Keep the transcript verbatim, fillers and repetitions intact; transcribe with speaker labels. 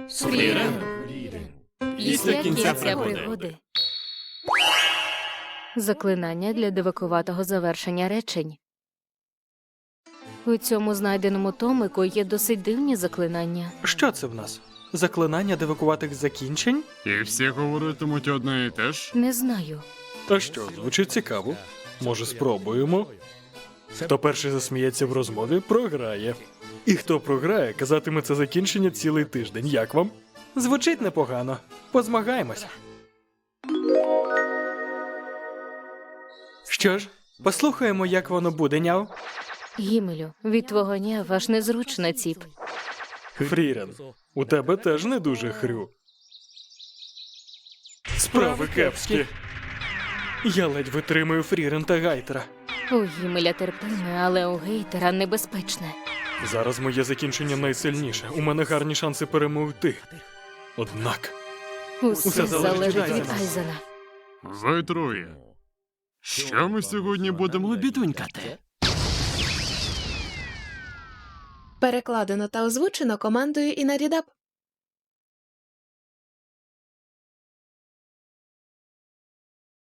Speaker 1: Фрірен. Після кінця пригоди.
Speaker 2: Заклинання для дивакуватого завершення речень. У цьому знайденому томику є досить дивні заклинання.
Speaker 3: Що це в нас? Заклинання дивакуватих закінчень?
Speaker 1: І всі говоритимуть одне і те ж?
Speaker 2: Не знаю.
Speaker 3: А що, звучить цікаво. Може, спробуємо? Хто перший засміється в розмові, програє. І хто програє, казатиме це закінчення цілий тиждень. Як вам? Звучить непогано. Позмагаємося. Що ж, послухаємо, як воно буде, няв.
Speaker 2: Гімелю, від твого няв аж незручно, ціп.
Speaker 3: Фрірен, у тебе теж не дуже хрю. Справи кепські. Я ледь витримую Фрірен та Гайтера.
Speaker 2: У Гімеля терпиме, але у Гейтера небезпечне.
Speaker 3: Зараз моє закінчення найсильніше. У мене гарні шанси перемогти. Однак,
Speaker 2: Усе,
Speaker 3: Усе залежить
Speaker 2: залежить
Speaker 3: від
Speaker 2: від
Speaker 3: Айзена.
Speaker 2: Айзена.
Speaker 1: Ви троє. Що ми сьогодні будемо обідунькати?
Speaker 4: Перекладено та озвучено командою Інарідап.